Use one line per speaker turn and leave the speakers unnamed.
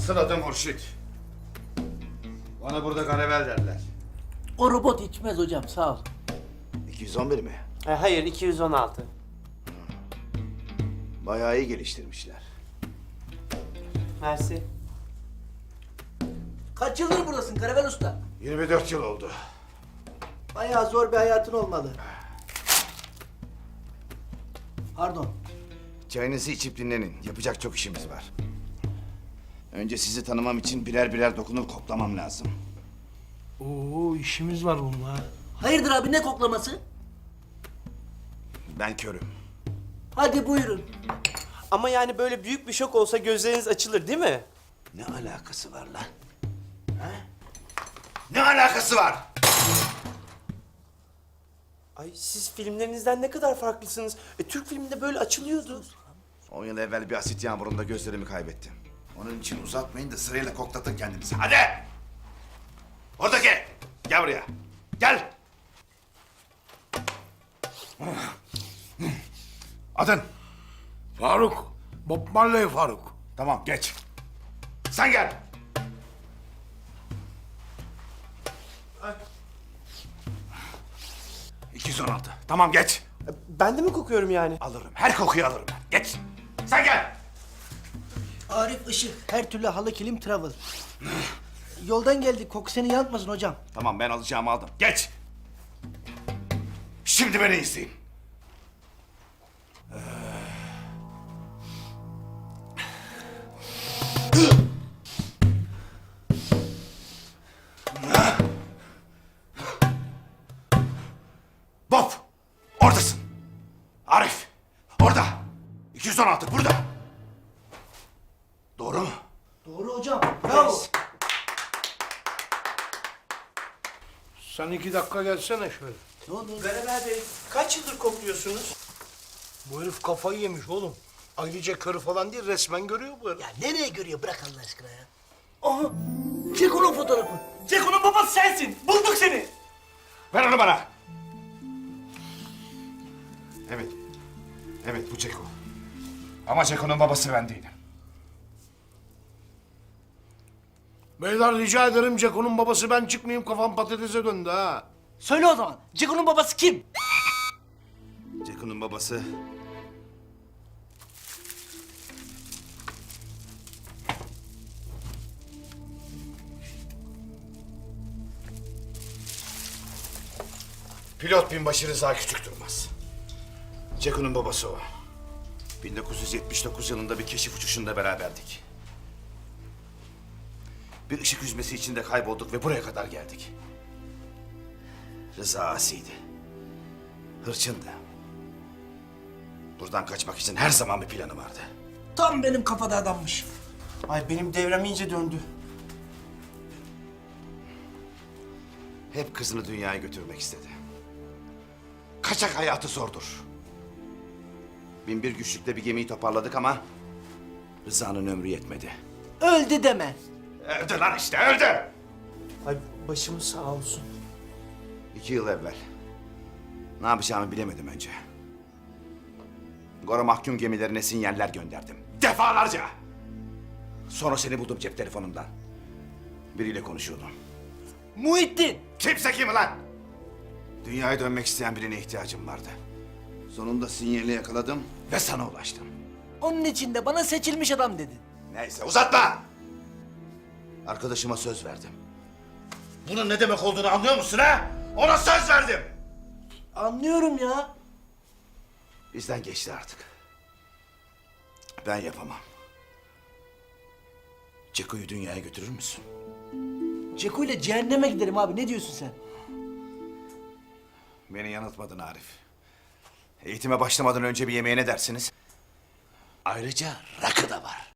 Asıl adım Hurşit. Bana burada Ganevel derler.
O robot içmez hocam, sağ ol.
211 mi?
Hayır, 216.
Bayağı iyi geliştirmişler.
Mersi.
Kaç yıldır buradasın Karavel Usta?
24 yıl oldu.
Bayağı zor bir hayatın olmalı. Pardon.
Çayınızı içip dinlenin. Yapacak çok işimiz var. Önce sizi tanımam için birer birer dokunup koklamam lazım.
Oo, işimiz var bununla.
Hayırdır abi, ne koklaması?
Ben körüm.
Hadi buyurun.
Ama yani böyle büyük bir şok olsa gözleriniz açılır değil mi?
Ne alakası var lan? Ha? Ne alakası var?
Ay siz filmlerinizden ne kadar farklısınız. Türk filminde böyle açılıyordu.
10 yıl evvel bir asit yağmurunda gözlerimi kaybettim. Onun için uzatmayın da sırayla koklatın kendinizi. Hadi! Oradaki! Gel buraya. Gel! Adın?
Faruk. Bob Marley Faruk.
Tamam, geç. Sen gel.
Ay.
216. Tamam, geç.
Ben de mi kokuyorum yani?
Alırım. Her kokuyu alırım ben. Geç. Sen gel.
Arif Işık, her türlü halı kilim travel. Yoldan geldik, koku seni yanıltmasın hocam.
Tamam, ben alacağımı aldım. Geç. Şimdi beni izleyin. Bob, oradasın. Arif, orada. 216 burada. Doğru mu?
Doğru hocam, bravo.
Sen 2 dakika gelsene şöyle.
Ne oldu?
Ganevel Bey, kaç yıldır kokluyorsunuz?
Bu herif kafayı yemiş oğlum. Ayrıca körü falan değil, resmen görüyor bu herif.
Ya nereye görüyor, bırak Allah aşkına ya. Aha, Ceko'nun fotoğrafı.
Ceko'nun babası sensin. Bulduk seni.
Ver onu bana. Evet. Evet, bu Ceko. Ama Ceko'nun babası ben değilim.
Beyler rica ederim, Ceko'nun babası ben çıkmayayım, kafam patatese döndü ha.
Söyle o zaman, Ceko'nun babası kim?
Ceko'nun babası... Pilot binbaşı Rıza Küçük Durmaz. Ceko'nun babası o. 1979 yılında bir keşif uçuşunda beraberdik. Bir ışık hüzmesi içinde kaybolduk ve buraya kadar geldik. Rıza asiydi. Hırçındı. Buradan kaçmak için her zaman bir planı vardı.
Tam benim kafada adammış.
Ay benim devrem iyice döndü.
Hep kızını dünyaya götürmek istedi. Kaçak hayatı zordur. Binbir güçlükle bir gemiyi toparladık ama... Rıza'nın ömrü yetmedi.
Öldü deme.
Öldü lan işte, öldü!
Ay başımız sağ olsun.
2 yıl evvel. Ne yapacağımı bilemedim önce. Gora mahkum gemilerine sinyaller gönderdim. Defalarca! Sonra seni buldum cep telefonumdan. Biriyle konuşuyordum.
Muhittin.
Kimse kim lan? Dünyaya dönmek isteyen birine ihtiyacım vardı. Sonunda sinyali yakaladım ve sana ulaştım.
Onun için de bana seçilmiş adam dedin.
Neyse uzatma! Arkadaşıma söz verdim. Bunun ne demek olduğunu anlıyor musun ha? Ona söz verdim!
Anlıyorum ya.
Bizden geçti artık. Ben yapamam. Ceko'yu dünyaya götürür müsün?
Ceko ile cehenneme giderim abi, ne diyorsun sen?
Beni yanıltmadın Arif. Eğitime başlamadan önce bir yemeğe ne dersiniz? Ayrıca rakı da var.